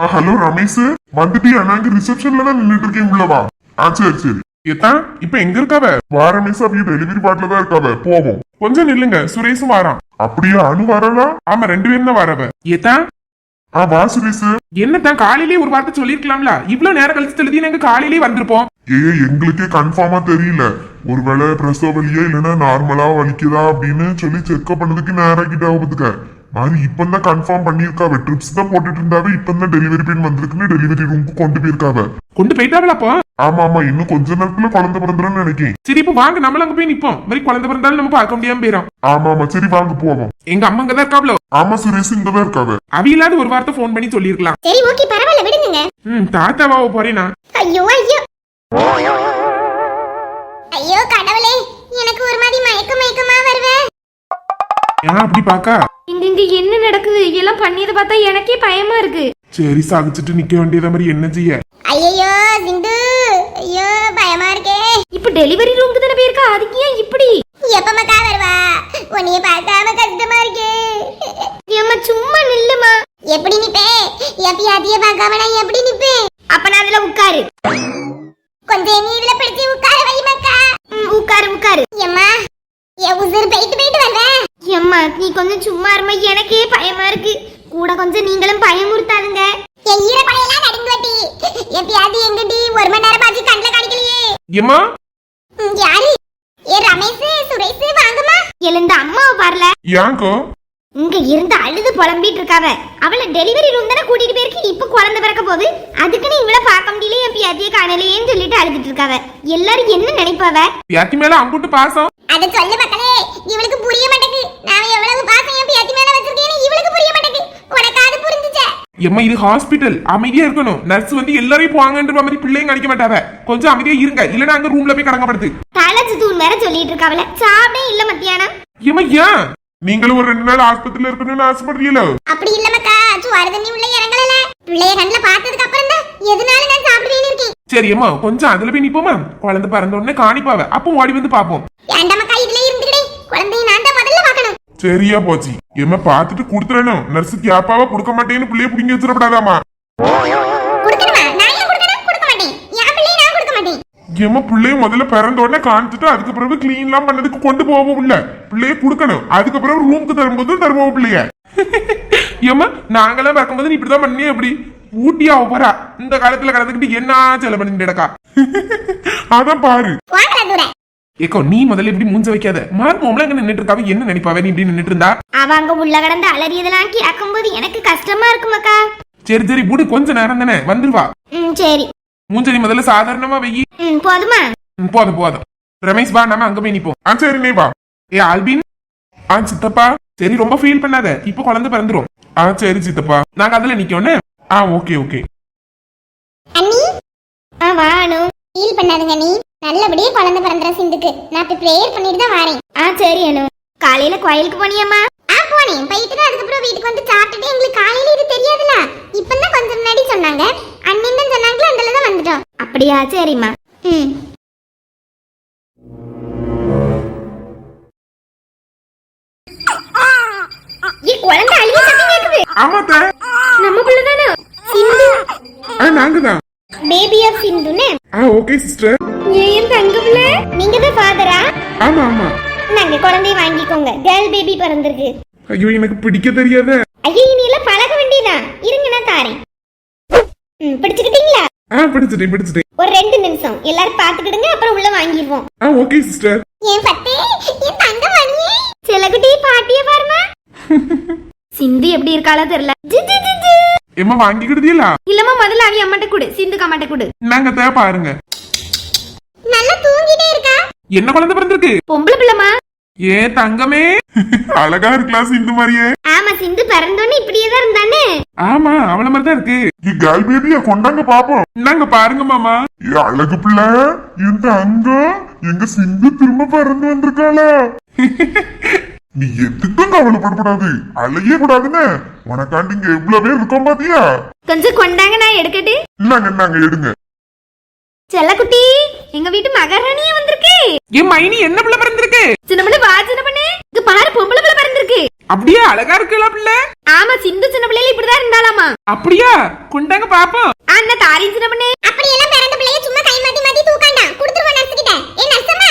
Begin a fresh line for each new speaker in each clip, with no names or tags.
Hello Ramesh, வந்துட்டியா? நாங்க ரிசப்ஷன்ல தான் நின்றுட்டு இருக்கேன், உள்ளவா. சரி சரி.
ஏத்தான் இப்ப எங்க இருக்காவ?
வா ரமேஷ், அவங்க டெலிவரி பாட்டில தான் இருக்காவ, போவோம்.
கொஞ்சம் நில்லுங்க, சுரேஷும் வாரான்.
அப்படியா? அனு வரலா?
ஆமா, 2 பேரும் தான் வரவ. ஏத்தான்
வா சுரேஷ்.
என்னத்தான் காலையிலேயே ஒரு வார்த்தை சொல்லிருக்கலாம்ல? இவ்வளவு நேரம் கழிச்சு தெளிதி நாங்க காலையிலேயே வந்திருப்போம்.
எங்களுக்கே கன்ஃபார்மா தெரியல. ஒருவேளை பிரசவ வலியா இல்லைன்னா நார்மலா வலிக்குதா அப்படின்னு சொல்லி செக்அப் பண்ணதுக்கு நேரம் கிட்ட ஆகுதுக்க மாதிரி இப்பதான் கன்ஃபார்ம் பண்ணிருக்காவ. ட்ரிப்ஸ் தான் போட்டுட்டு இருந்தாவே இப்பதான் டெலிவரி பெயின் வந்திருக்குன்னு டெலிவரி ரூமுக்கு கொண்டு போயிருக்காவ.
கொண்டு போயிட்டாவல அப்போ?
ஆமா ஆமா, இன்னும் கொஞ்ச நேரத்துல குழந்தை பிறந்துடும் நினைக்கிறேன்.
சரி, இப்ப வாங்க, நம்மள அங்க போய் நிப்போம். மாதிரி குழந்தை பிறந்தாலும் நம்ம பார்க்க முடியாம போயிடும்.
ஆமா ஆமா, சரி வாங்க போவோம்.
எங்க அம்மா அங்கதான் இருக்காவளோ?
ஆமா சுரேஷ், இங்கதான் இருக்காவ.
அவியில்லாத ஒரு வார்த்தை போன் பண்ணி சொல்லிருக்கலாம்.
சரி ஓகே, பரவாயில்ல, விடுங்க.
தாத்தாவா போறேனா?
ஐயோ ஐயோ ஐயோ கடவுளே, எனக்கு ஒரு மாதிரி மயக்கமா வருவே.
ஏன் அப்படி பாக்கா?
இங்க என்ன நடக்குது? எல்லாம் பண்ணியத பார்த்தா எனக்கே பயமா இருக்கு.
சரி, சாகிச்சுட்டு நிக்க வேண்டியத மாதிரி என்ன செய்ய?
ஐயோ சிந்து, ஐயோ பயமா இருக்கே.
இப்ப டெலிவரி ரூமுக்கு தானே போயிருக்கா, அதுக்கு ஏன் இப்படி?
எப்பமக்கா வருவா? உன்னைய பார்க்காம கஷ்டமா இருக்கே.
ஏம்மா சும்மா நில்லுமா.
எப்படி நிப்பே? எப்பயாதிய பார்க்காம நான் எப்படி நிப்பேன்?
அப்ப நான் அதுல உட்காரு.
கொஞ்சம் நீ இதுல பிடிச்சி உட்கார வை மக்கா.
உட்காரு.
எம்மா, என் உசுர் போயிட்டு வந்தேன்.
எம்மா நீ கொஞ்சம் சும்மா இருமா, எனக்கே பயமா இருக்கு. கூட கொஞ்சம் நீங்களும் பயமுறுத்தாதுங்க.
என் ஈர படையெல்லாம் நடுங்குவட்டி. எப்பயாதி எங்கடி 1 மணி நேரம் பாத்து கண்ணுல காணிக்கலையே.
ஏம்மா
யாரு? ரமேஷ், சுரேஷ் வாங்கம்மா.
எழுந்த அம்மாவை பாருல.
யாங்கோ
இங்க இருந்து அழுது புலம்பிட்டு இருக்காவ. அவளை டெலிவரி ரூம் தானே கூட்டிட்டு போயிருக்கு. இப்ப குழந்தை பிறக்க போகுது, அதுக்குன்னு இவளை பார்க்க முடியல, என் பியாத்திய காணலையேன்னு சொல்லிட்டு அழுதுட்டு இருக்காவ. எல்லாரும் என்ன நினைப்பாவ?
பியாத்தி மேல அங்குட்டு பாசம்.
அத சொல்லு மக்களே, இவளுக்கு புரிய மாட்டேங்குது. நான் எவ்வளவு பாசம் என் பியாத்தி மேல வச்சிருக்கேன்னு இவளுக்கு புரிய மாட்டேங்குது. உனக்கு அது புரிஞ்சுச்சே?
எம்மா, இது ஹாஸ்பிட்டல், அமைதியா இருக்கணும். நர்ஸ் வந்து எல்லாரையும் போவாங்கன்ற மாதிரி பிள்ளைங்க அடிக்க மாட்டாவ. கொஞ்சம் அமைதியா இருங்க, இல்லன்னா அங்க ரூம்ல போய் கடங்கப்படுது.
தலைச்சு தூண் வேற சொல்லிட்டு இருக்காவல. சாப்பிடே இல்ல மத்தியானம்.
ஏம்மா ஏன்? நீங்களும் ஒரு 2 நாள் ஆஸ்பத்திரியில இருக்கணும்னு ஆசைப்படுறீங்களோ?
அப்படி இல்ல மக்கா, சுவார தண்ணி உள்ள இறங்கல. பிள்ளைய கண்ணுல பார்த்ததுக்கு அப்புறம் தான் எதனால நான் சாப்பிடுவேன்னு இருக்கேன்.
சரி அம்மா, கொஞ்சம் அதுல போய் நிப்போமா? குழந்தை பிறந்த உடனே காணிப்பாவ, அப்போ ஓடி வந்து பாப்போம்.
ஏண்டா மக்கா இதுல இருந்துக்கிட்டே? குழந்தையை நான் தான் முதல்ல பார்க்கணும்.
சரியா போச்சு. ஏம்மா பார்த்துட்டு கொடுத்துறணும். நர்ஸ் கேப்பாவா கொடுக்க மாட்டேன்னு பிள்ளைய புடிங்கி வச்சிடப்படாதாமா?
கொடுக்கணுமா? நான் ஏன் கொடுக்கணும்? கொடுக்க மாட்டேன். என் பிள்ளையை நான் கொடுக்க மாட்டேன்.
ஏம்மா, பிள்ளைய முதல்ல பிறந்த உடனே காணிச்சுட்டு அதுக்கு பிறகு கிளீன் எல்லாம் பண்ணதுக்கு கொண்டு போவோம். உள்ள பிள்ளைய கொடுக்கணும், அதுக்கு பிறகு ரூமுக்கு தரும்போது தருவோம் பிள்ளைய. ஏம்மா, நாங்கெல்லாம் பார்க்கும்போது நீ இப்படிதான் பண்ணியே. எப்படி ஊட்டியா போறா? இந்த காலத்துல கலந்துக்கிட்டு என்ன செலவு பண்ணிட்டு கிடக்கா? அதான் பாரு.
வாங்கடா தூர.
ஏக்கோ, நீ முதல்ல இப்படி மூஞ்ச வைக்காத. மார்மோம்ல அங்க நின்னுட்டு இருக்காவ, என்ன நினைப்பாவே நீ இப்படி நின்னுட்டு இருந்தா?
அவங்க உள்ள கடந்து அலறியதெல்லாம் கேட்கும்போது எனக்கு கஷ்டமா இருக்குமாக்கா.
சரி சரி, புடி, கொஞ்ச நேரம் தானே வந்துருவா.
சரி.
மூஞ்ச நீ முதல்ல சாதாரணமா வெயி.
போதுமா?
போதும் போதும். ரமேஷ் வா, நம்ம அங்க போய் நிப்போம். சரி நீ வா. ஏ ஆல்பின். சித்தப்பா. சரி, ரொம்ப ஃபீல் பண்ணாத, இப்ப குழந்தை பிறந்துரும். சரி சித்தப்பா, நாங்க அதுல நிக்கோன்னு. Okay okay.
அண்ணி
வாணு.
ஃபீல் பண்ணாதுங்க நீ. நல்லபடியே குழந்தை பிறந்தற சிந்துக்கு. நான் இப்ப பிரேயர் பண்ணிட்டு தான் வரேன்.
சரி அனு. காலையில கோயிலுக்கு போனியம்மா?
போனேன். போயிட்டு அதுக்கப்புறம் வீட்டுக்கு வந்து சாப்பிட்டுட்டு எங்களுக்கு காலையில இது தெரியாதுல. இப்பதான் கொஞ்சம் முன்னாடி சொன்னாங்க. அண்ணன் தான் சொன்னாங்களே, அதுல தான் வந்துட்டோம்.
அப்படியா? சரிம்மா. குழந்தை அழுகி சத்தம் கேக்குது.
ஆமாத்த,
நம்ம பிள்ளை தானே சிந்து.
நாங்க தான்.
பேபி ஆஃப் சிந்துனே.
Okay sister.
ஏன் தங்க பிள்ளை? நீங்க தான் ஃபாதரா?
ஆமா ஆமா.
நாங்க குழந்தைய வாங்கிக்கோங்க. கேர்ள் பேபி பிறந்திருக்கு.
ஐயோ, எனக்கு பிடிக்க தெரியாத.
ஐயோ, நீ எல்லாம் பழக வேண்டியதா. இருங்க, நான் தாரேன். பிடிச்சுக்கிட்டீங்களா?
பிடிச்சிட்டேன்.
ஒரு 2 நிமிஷம் எல்லாரும் பாத்துக்கிடுங்க, அப்புறம் உள்ள வாங்கிடுவோம்.
Okay sister.
என் பத்தே, என் தங்க மணியே.
செல்லகுட்டி பாட்டிய பாருமா. சிந்து எப்படி இருக்காளோ தெரியல.
எம்மா வாங்கிக்கிடுதீங்களா?
இல்லம்மா, முதல்ல அவி அம்மாட்ட கொடு. சிந்துக்கு அம்மாட்ட கொடு.
நாங்க பாருங்க.
நல்லா தூங்கிட்டே இருக்கா.
என்ன குழந்தை பிறந்திருக்கு?
பொம்பளை பிள்ளைமா.
ஏ தங்கமே, அழகா இருக்கலாம் சிந்து மாதிரியே.
ஆமா, சிந்து பிறந்தோன்னு இப்படியே தான் இருந்தானே.
ஆமா, அவள மாதிரி தான் இருக்கு.
கேர்ள் பேபியா கொண்டாங்க பாப்போம்.
நாங்க பாருங்க மாமா.
அழகு பிள்ளை, இந்த அங்க எங்க சிந்து திரும்ப பிறந்து வந்திருக்காளா? நீ எதுக்கும் கவலைப்படக்கூடாது, அழைய கூடாதுன்னு உனக்காண்டி இங்க எவ்வளவு பேர் இருக்கோம் பாத்தியா?
கொஞ்சம் கொண்டாங்க, நான் எடுக்கட்டு.
நாங்க எடுங்க.
செல்லக்குட்டி, எங்க வீட்டு மகாராணியே வந்திருக்கு.
என் மைனி என்ன பிள்ளை பிறந்திருக்கு?
சின்ன பிள்ளை வா, சின்ன பண்ணு. இங்க பாரு, பொம்பளை பிள்ளை பிறந்திருக்கு. இருக்கு.
அப்படியே அழகா இருக்கல பிள்ளை.
ஆமா, சிந்து சின்ன பிள்ளைல இப்படிதான் இருந்தாலாமா.
அப்படியா? கொண்டாங்க பாப்போம்.
அண்ணா தாரி சின்ன பண்ணே.
அப்படி எல்லாம் பிறந்த பிள்ளைய சும்மா கை மாத்தி மாத்தி தூக்காண்டா. குடுத்துருவா நர்ஸ் கிட்ட. ஏ நர்ஸம்மா.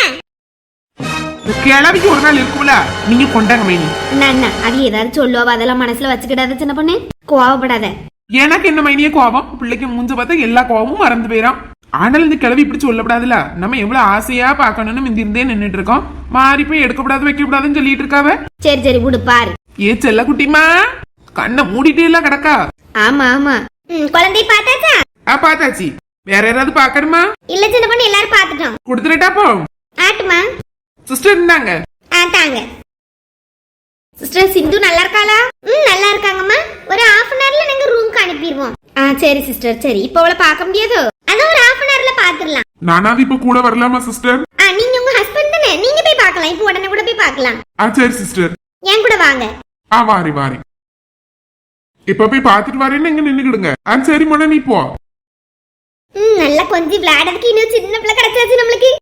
கிளவிக்கு ஒரு நாள் இருக்கும்ல, நீங்க கொண்டாங்க மைனி.
அண்ணா அது ஏதாவது சொல்லுவா, அதெல்லாம் மனசுல வச்சுக்கிடாத சின்ன பொண்ணு. கோவப்படாத.
எனக்கு என்ன மைனியே கோவம்? பிள்ளைக்கு மூஞ்ச பார்த்தா எல்லா கோவமும் மறந்து போயிடும். ஆனால் இந்த கிளவி இப்படி சொல்லப்படாதுல. நம்ம எவ்வளவு ஆசையா பாக்கணும்னு மிந்திருந்தே நின்னுட்டு இருக்கோம். மாறி போய் எடுக்கப்படாது வைக்கப்படாதுன்னு சொல்லிட்டு இருக்காவ.
சரி சரி விடு பாரு.
ஏ செல்ல குட்டிமா, கண்ணை மூடிட்டே எல்லாம் கிடக்கா.
ஆமா ஆமா. குழந்தை பார்த்தாச்சா?
பாத்தாச்சி. வேற யாராவது பாக்கணுமா?
இல்ல சின்ன பொண்ணு, எல்லாரும் பாத்துட்டோம்.
கொடுத்துட்டாப்போ.
ஆட்டுமா
சிஸ்டர் இருந்தாங்க.
ஆட்டாங்க. சிஸ்டர் சிந்து நல்லா இருக்காளா? நல்லா இருக்காங்கம்மா. ஒரு ஹாஃப் அன் ஹவர்ல நாங்க ரூமுக்கு அனுப்பிடுவோம். சரி சிஸ்டர் சரி. இப்போ அவளை பார்க்க முடியாதோ? அதான் ஒரு ஹாஃப் அன் ஹவர்ல பாத்துடலாம்.
நானாவது இப்ப கூட வரலாமா சிஸ்டர்?
நீங்க உங்க ஹஸ்பண்ட் தானே, நீங்க போய் பார்க்கலாம். இப்போ உடனே கூட போய் பார்க்கலாம்.
சரி சிஸ்டர்.
என் கூட வாங்க.
வாரி வாரி. இப்ப போய் பாத்துட்டு வரேன்னு இங்க நின்னுக்கிடுங்க. சரி மொன நீ போ.
நல்லா கொஞ்சம் விளையாடுறதுக்கு இன்னும் சின்ன பிள்ளை கிடைச்சாச்சு நம்மளுக்கு.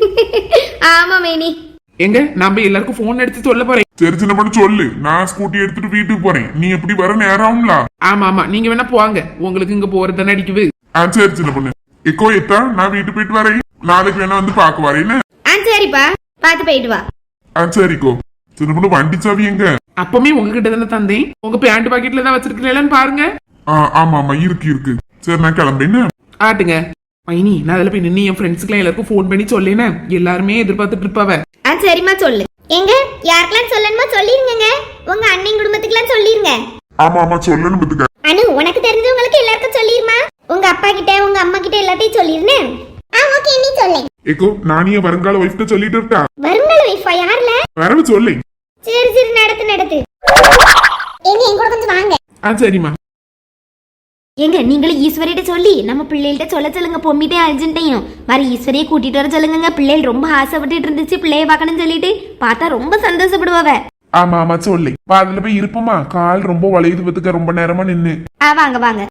ஆமா மேனி.
எங்க நம்ம எல்லாருக்கும் போன் எடுத்து சொல்ல போறேன்.
சரி சின்ன பண்ண சொல்லு, நான் ஸ்கூட்டி எடுத்துட்டு வீட்டுக்கு போறேன். நீ எப்படி வர நேரம் ஆகும்ல?
ஆமா ஆமா, நீங்க வேணா போவாங்க. உங்களுக்கு இங்க போறது தானே அடிக்குது.
சரி சின்ன பொண்ணு. எக்கோ எத்தா, நான் வீட்டு போயிட்டு வரேன். நாளைக்கு வேணா வந்து பாக்க வரேன்னு.
சரிப்பா, பாத்து போயிட்டு வா.
சரிக்கோ. சின்ன பொண்ணு வண்டி சாவி எங்க?
அப்பமே உங்ககிட்ட தானே தந்தேன். உங்க பேண்ட் பாக்கெட்ல தான் வச்சிருக்கீங்களான்னு பாருங்க.
ஆமா ஆமா இருக்கு இருக்கு. சரி நான் கிளம்பேன்னு.
ஆட்டுங்க மைனி. நான் அதில் போய் நின்று என் ஃப்ரெண்ட்ஸுக்குலாம் எல்லாருக்கும் ஃபோன் பண்ணி சொல்லேனே. எல்லாருமே எதிர்பார்த்துட்டு இருப்பாவ.
சரிம்மா சொல்லு. எங்க யாருக்கெல்லாம் சொல்லணுமோ சொல்லிருங்க. உங்க அண்ணன் குடும்பத்துக்குலாம் சொல்லிருங்க.
ஆமா ஆமா சொல்லணும் பத்துக்க.
அனு உனக்கு தெரிஞ்சவங்களுக்கு எல்லாருக்கும் சொல்லிருமா. உங்க அப்பா கிட்ட உங்க அம்மா கிட்ட எல்லாத்தையும் சொல்லிருனே.
ஓகே நீ சொல்லு.
எக்கோ நான் என் வருங்கால ஒய்ஃப்ட்ட சொல்லிட்டு இருக்கா.
வருங்கால வைஃபா யாருல?
வரவு சொல்லு.
சரி சரி நடத்து.
என் கூட கொஞ்சம் வாங்க.
சரிம்மா.
எங்க நீங்களும் ஈஸ்வரிட்ட சொல்லி நம்ம பிள்ளைகிட்ட சொல்லுங்க. பொம்மிட்டே அர்ஜென்ட்டையும் வர ஈஸ்வரியை கூட்டிட்டு வர சொல்லுங்க. பிள்ளைகள் ரொம்ப ஆசைப்பட்டுட்டு இருந்துச்சு பிள்ளைய பார்க்கணும்னு சொல்லிட்டு. பார்த்தா ரொம்ப சந்தோஷப்படுவாவ.
ஆமா ஆமா சொல்லு. அதுல போய் இருப்போமா? கால் ரொம்ப வளையுது பத்துக்க, ரொம்ப நேரமா நின்னு.
வாங்க வாங்க.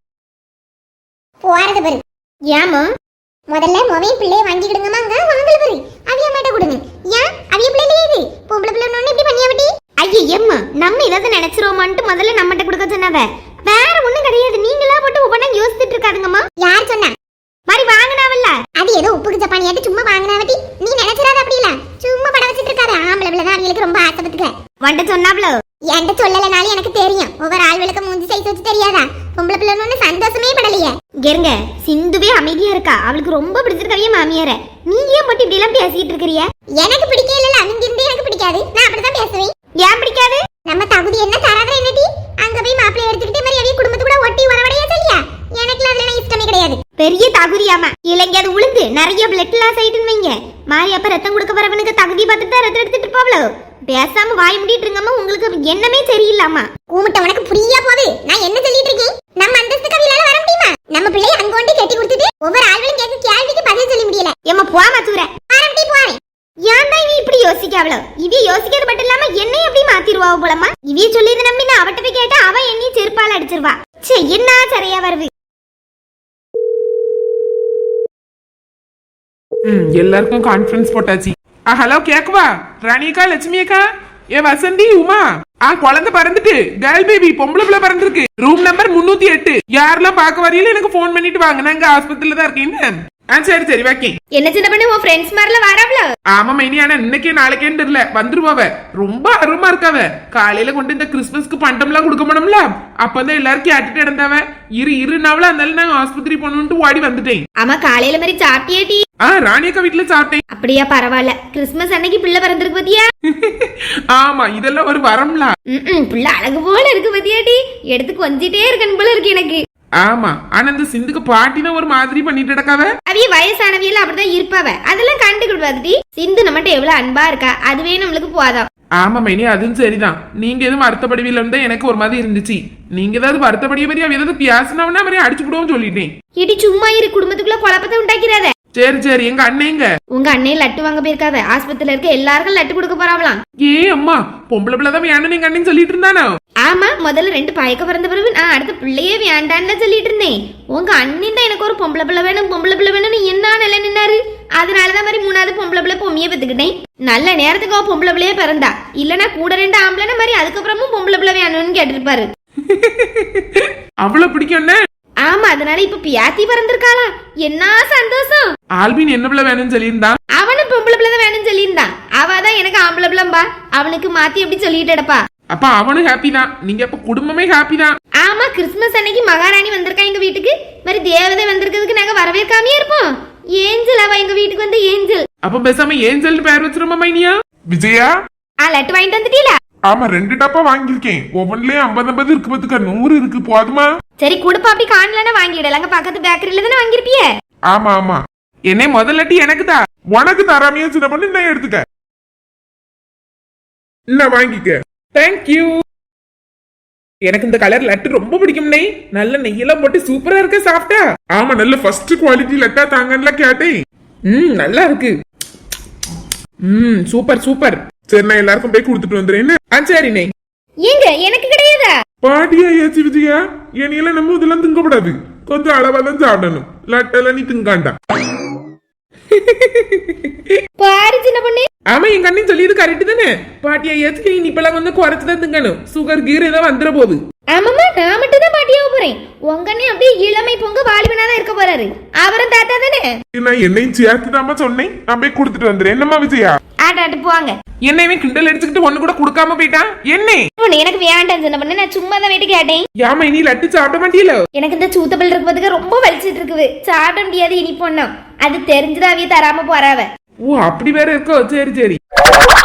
போறது பாரு.
ஏமா
முதல்ல மொபைல் பிள்ளைய வாங்கிடுங்கம்மாங்க. வாங்கல பாரு. அவிய மேட்ட கொடுங்க. ஏன் அவிய பிள்ளைல இது பொம்பளை பிள்ளை ஒண்ணு இப்படி பண்ணியாவட்டி?
ஐயே எம்மா, நம்ம ஏதாவது நினைச்சிரோமான்ட்டு முதல்ல நம்மகிட்ட கொடுக்க சொன்னாவ. வேற ஒண்ணும் கிடையாது. நீங்களா போட்டு ஒவ்வொன்னா யோசிச்சுட்டு இருக்காதுங்கம்மா.
யார் சொன்னா?
மாதிரி வாங்கினாவல்ல.
அது ஏதோ உப்புக்கு ஜப்பானியாட்டு சும்மா வாங்கினாவட்டி. நீ நினைச்சிராத அப்படி இல்ல. சும்மா படம் வச்சிட்டு இருக்காரு. ஆம்பளை பிள்ளை தான் அவங்களுக்கு ரொம்ப ஆசைப்பட்டுக்க.
வண்ட சொன்னாப்ளோ.
என்கிட்ட சொல்லலனாலும் எனக்கு தெரியும். ஒவ்வொரு ஆள்களுக்கு மூஞ்சி சைஸ் வச்சு தெரியாதா? பொம்பளை பிள்ளை ஒண்ணு சந்தோஷமே படலையே.
இருங்க சிந்துவே அமைதியா இருக்கா. அவளுக்கு ரொம்ப பிடிச்சிருக்கவிய மாமியார. நீங்க ஏன் மட்டும் இப்படி எல்லாம் பேசிட்டு இருக்கிறிய?
எனக்கு பிடிக்கல இல்ல. அவங்க இருந்து எனக்கு பிடிக்காது. நான் அப்படிதான் பேசுவேன்.
ஏன் பிடிக்காது?
நம்ம தகுதி என்ன தராத என்னடி? அங்க போய் மாப்பிள்ளை எடுத்துக்கிட்டே மாதிரி அவிய குடும்பத்து கூட ஒட்டி வரவடையா சொல்லியா? எனக்கு அதுல இஷ்டமே கிடையாது.
பெரிய தகுதியாமா. இல்லைங்க அது உளுந்து நிறைய பிளட் லாஸ் ஆயிட்டுன்னு வைங்க. மாறி அப்ப ரத்தம் கொடுக்க வரவனுக்கு தகுதி பார்த்துட்டு தான் ரத்தம் எடுத்துட்டு இருப்பாவளோ. பேசாம வாய் முடிட்டு இருங்கம்மா. உங்களுக்கு எண்ணமே சரியில்லாமா.
கூமிட்ட உனக்கு புரியா போகுது. நான் என்ன சொல்லிட்டு இருக்கேன்? நம்ம அந்தஸ்து கவிலால வர முடியுமா? நம்ம பிள்ளைய அங்க கொண்டு கட்டி கொடுத்துட்டு ஒவ்வொரு ஆள்களும் கேட்க கேள்விக்கு பதில் சொல்ல முடியல.
ஏமா போமா தூர.
ஆரம்பி போறேன்.
ஏன் தான் இவ இப்படி யோசிக்காவளோ? இவ யோசிக்கிறது மட்டும் இல்லாம என்னையும் எப்படி மாத்திருவா போலமா. இவ சொல்லியது நம்பி நான் அவட்ட போய் கேட்டா அவ என்னையும் செருப்பால அடிச்சிருவா. சே என்ன சரியா வருது.
எல்லாருக்கும் கான்ஃபரன்ஸ் போட்டாச்சு. ஹலோ கேக்குவா? ராணியக்கா, லட்சுமி அக்கா, ஏ வசந்தி, உமா. குழந்தை பறந்துட்டு கேர்ள் பேபி பொம்பளை பிள்ளை பறந்துருக்கு. Room number 308. யாரெல்லாம் பார்க்க வரையில எனக்கு போன் பண்ணிட்டு வாங்க. நாங்க ஆஸ்பத்திரியில தான் இருக்கேன்னு. சரி சரி வைக்கேன்.
என்ன சின்ன பண்ணு உன் ஃப்ரெண்ட்ஸ் மாதிரில வராவளோ?
ஆமா மைனி. ஆனா இன்னைக்கே நாளைக்கேன்னு தெரியல வந்துருவாவ. ரொம்ப அருமா இருக்காவ. காலையில கொண்டு இந்த கிறிஸ்துமஸ்க்கு பண்டம்லாம் கொடுக்க மாட்டோம்ல, அப்பதான் எல்லாரும் கேட்டுட்டு இடந்தாவ. இருநாவல அதனால நான் ஆஸ்பத்திரி போகணும்னு ஓடி வந்துட்டேன்.
ஆமா காலையில மாதிரி சாப்பிட்டியாடி?
ராணியக்கா வீட்டுல சாப்பிட்டேன்.
அப்படியா பரவாயில்ல. கிறிஸ்துமஸ் அன்னைக்கு பிள்ளை பிறந்திருக்கு பத்தியா?
ஆமா இதெல்லாம் ஒரு வரம்ல.
பிள்ளை அழகு போல இருக்கு பத்தியாடி. எடுத்து கொஞ்சிட்டே இருக்கணும் போல இருக்கு எனக்கு.
ஆமா ஆனா இந்த சிந்துக்கு பாட்டினா ஒரு மாதிரி பண்ணிட்டு கிடக்காவ.
அவிய வயசானவியல அப்படிதான் இருப்பாவ. அதெல்லாம் கண்டுக்கிடுவாதி. சிந்து நம்மகிட்ட எவ்வளவு அன்பா இருக்கா. அதுவே நம்மளுக்கு போதும்.
ஆமா மைனி அதுவும் சரிதான். நீங்க எதுவும் வருத்தப்படுவீல இருந்தா எனக்கு ஒரு மாதிரி இருந்துச்சு. நீங்க ஏதாவது வருத்தப்படிய மாதிரி அவ ஏதாவது பேசினவனா மாதிரி அடிச்சு விடுவோம் சொல்லிட்டேன்.
இடி சும்மா இரு. குடும்பத்துக்குள்ள குழப்பத்தை உண்டாக்கிறாத.
சரி சரி, எங்க அண்ணேங்க?
உங்க அண்ணே லட்டு வாங்க போயிருக்காவ. ஆஸ்பத்திரியில இருக்க எல்லாருக்கும் லட்டு கொடுக்க போறாவலாம்.
ஏ அம்மா, பொம்பளை பிள்ளைதான் வேணும் எங்க அண்ணன் சொல்லிட்டு இருந்தானோ?
ஆமா, முதல்ல 2 பாயக்க பிறந்த பிறகு நான் அடுத்த பிள்ளையே வேண்டான்னு சொல்லிட்டு இருந்தேன். உங்க அண்ணன் தான் எனக்கு ஒரு பொம்பளை பிள்ளை வேணும் பொம்பளை பிள்ளை வேணும்னு என்ன நிலை நின்னாரு. அதனாலதான் மாதிரி 3வது பொம்பளை பிள்ளை பொம்மையை பெத்துக்கிட்டேன். நல்ல நேரத்துக்கு அவ பொம்பளை பிள்ளையே பிறந்தா. இல்லனா கூட 2 ஆம்பளை மாதிரி அதுக்கப்புறமும் பொம்பளை பிள்ளை வேணும்னு கேட்டிருப்பாரு.
அவ்வளவு பிடிக்கும்.
ஆமா, அதனால இப்ப பியாத்தி பிறந்திருக்காளாம். என்ன சந்தோஷம்.
ஆல்பின் என்ன பிள்ளை வேணும்னு சொல்லியிருந்தான்?
அவனும் பொம்பளை பிள்ளை தான் வேணும்னு சொல்லியிருந்தான். அவதான் எனக்கு ஆம்பளை பிள்ளைம்பா. அவனுக்கு மாத்தி எப்படி சொல்லிட்டேடப்பா.
அப்ப அவனும் ஹாப்பி தான். நீங்க அப்ப குடும்பமே ஹாப்பி தான்.
ஆமா, கிறிஸ்துமஸ் அன்னைக்கு மகாராணி வந்திருக்கா எங்க வீட்டுக்கு. மாதிரி தேவதை வந்திருக்கிறதுக்கு நாங்க வரவேற்காமே இருப்போம். ஏஞ்சல் அவ எங்க வீட்டுக்கு வந்து ஏஞ்சல்.
அப்ப பேசாம ஏஞ்சல் பேர் வச்சிருமா மைனியா? விஜயா,
லட்டு வாங்கிட்டு வந்துட்டீல?
ஆமா, 2 டப்பா வாங்கியிருக்கேன். ஒவ்வொன்லயும் 50 இருக்கு, பத்துக்க 100 இருக்கு. போதுமா?
சரி குடுப்பா, அப்படி காணலன்னா வாங்கிடலாங்க. பக்கத்து பேக்கரியில தானே வாங்கிருப்பிய.
ஆமா ஆமா, என்னை முதல்லட்டி எனக்கு தான். உனக்கு தராமையா சின்ன பண்ணி நான் எடுத்துக்க. என்ன வாங்கிக்க. தேங்க்யூ. எனக்கு இந்த கலர் லட்டு ரொம்ப பிடிக்கும்னே. நல்ல நெய்யெல்லாம் போட்டு சூப்பரா இருக்கு. சாப்பிட்டா? ஆமா, நல்ல ஃபர்ஸ்ட் குவாலிட்டி லட்டா தாங்கன்னு கேட்டேன். நல்லா இருக்கு. Super super. சரி, நான் எல்லாருக்கும் போய் கொடுத்துட்டு வந்துடுறேன். சரிண்ணே.
ஏங்க எனக்கு கிடையாதா?
பாட்டியா ஏச்சு விஜயா, என்னையெல்லாம் நம்ம இதெல்லாம் திங்கப்படாது. கொஞ்சம் அளவா தான் சாப்பிடணும். லட்டெல்லாம் நீ திங்காண்டா.
பாரு சின்ன பொண்ணு.
ஆமா, எங்க அண்ணன் சொல்லியது கரெக்ட் தானே. பாட்டியா ஏச்சு நீ இப்பெல்லாம் கொஞ்சம் குறைச்சுதான் திங்கணும். சுகர் கீர் ஏதோ வந்துட போகுது.
ஆமாமா, நான் மட்டும் தான் பாட்டியாக போறேன். உங்க அண்ணன் அப்படியே இளமை பொங்க வாலிபனாதான் இருக்க போறாரு. அவரும் தாத்தா தானே.
நான் என்னையும் சேர்த்துதாமா சொன்னேன். நான் போய் கொடுத்துட்டு வந்துடுறேன். என்னம்மா விஜயா?
ஆட்டாட்டு போவாங்க.
என்னையுமே கிண்டல் அடிச்சுக்கிட்டு ஒண்ணு கூட கொடுக்காம போயிட்டான். என்ன
எனக்கு வேண்டாம் சின்ன பொண்ணு. நான் சும்மா தான் வீட்டு கேட்டேன்.
யாமா, இனி லட்டு சாப்பிட மாட்டீல?
எனக்கு இந்த சூத்தப்பல் இருக்கிறதுக்கு ரொம்ப வலிச்சிட்டு இருக்குது. சாப்பிட முடியாது இனி பொண்ணும். அது தெரிஞ்சுதான் அவிய தராம போறாவ.
ஓ, அப்படி வேற இருக்கோ? சரி சரி.